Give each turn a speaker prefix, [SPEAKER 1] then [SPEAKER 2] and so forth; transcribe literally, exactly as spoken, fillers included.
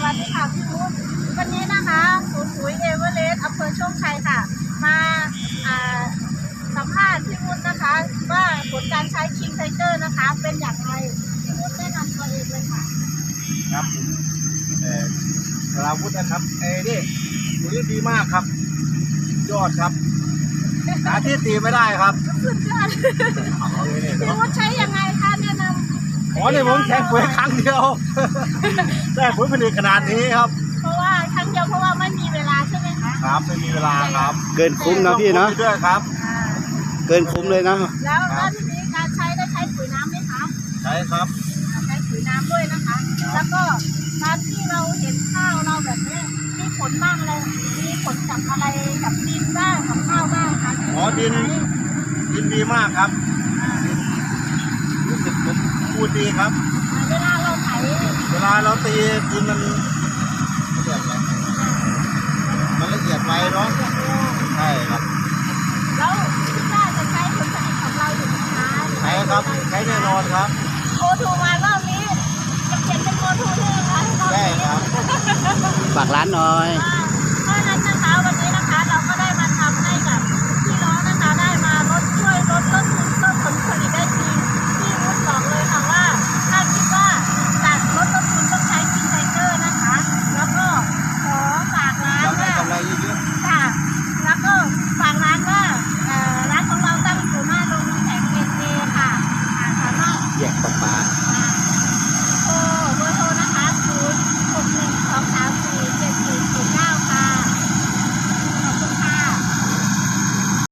[SPEAKER 1] วัสดีค่ะพี่วุฒิวันนี้นะคะศูนย์ปุ๋ยเอเวอเรสต์อำเภอโชคชัยค่ะมาสัมภาษณ์พี่วุฒินะคะว่าผลการใช้คิงไทเกอร์นะคะเป็นอย่างไรพี่วุฒิแนะนำตัวเองเลยค่ะ
[SPEAKER 2] ครับผมเอ่อสราวุฒินะครับเอ้นี่ปุ๋ยดีมากครับยอดครับหาที่ตีไม่ได้ครับ
[SPEAKER 1] สุดยอดพี่วุฒิใช้ยังไงคะแนะนำ
[SPEAKER 2] อ๋อเนี่ยผมแค่ปุ๋ยครั้งเดียวได้ผลผลิตขนาดนี้ครับ
[SPEAKER 1] เพราะว่าครั้งเดียวเพราะว่าไม่มีเวลาใช่ไหมคะ
[SPEAKER 2] ครับไม่มีเวลาครับ
[SPEAKER 3] เกินคุ้มนะพี่เนาะ
[SPEAKER 2] ด้วยครับ
[SPEAKER 3] เกินคุ้มเลยนะ
[SPEAKER 1] แล้วแล้วทีนี้การใช้ได้ใช้ปุ๋ยน้ำไหมคะ
[SPEAKER 2] ใช่ครับ
[SPEAKER 1] ใช้ปุ๋ยน้ำด้วยนะคะแล้วก็การที่เราเห็นข้าวเราแบบนี้มีผลบ้างเลยมีผลกับอะไรกับดินบ้างกับข้าวบ้างคะ
[SPEAKER 2] อ๋อดินดินดีมากครับรู้สึกผมพูดดีครับ
[SPEAKER 1] เวลาเราไถ
[SPEAKER 2] เวลาเราตีดินมันมันละเอียดไปเนาะใช่ครับ
[SPEAKER 1] แล้วคิดว่าจะใช้ผลผลิตของเราอยู่ไหมคะ
[SPEAKER 2] ใช่ครับใช้แน่นอนครับ
[SPEAKER 1] โอทูมารอบนี้จะเขียนเป็นโอทูด้วยนะคะ
[SPEAKER 2] ใช่ครับ
[SPEAKER 3] ฝากร้านหน่อย
[SPEAKER 1] เพราะนั้นนะคะวันนี้นะคะเราก็ได้มาทำให้กับพี่น้องนะคะได้มาลดช่วยลดต้นทุนเพิ่มผลผลิตได้จริงพี่วุฒิบอกเลยค่ะว่าถ้าคิดว่าจะลดต้นทุนต้องใช้คิงไทเกอร์นะคะแล้วก็ขอฝากร้านว่าค่ะแล้วก็ฝากร้านว่าร้านของเราตั้งอยู่หน้าโรงน้ำแข็งเอเจค่ะสามารถ
[SPEAKER 3] แยกปลา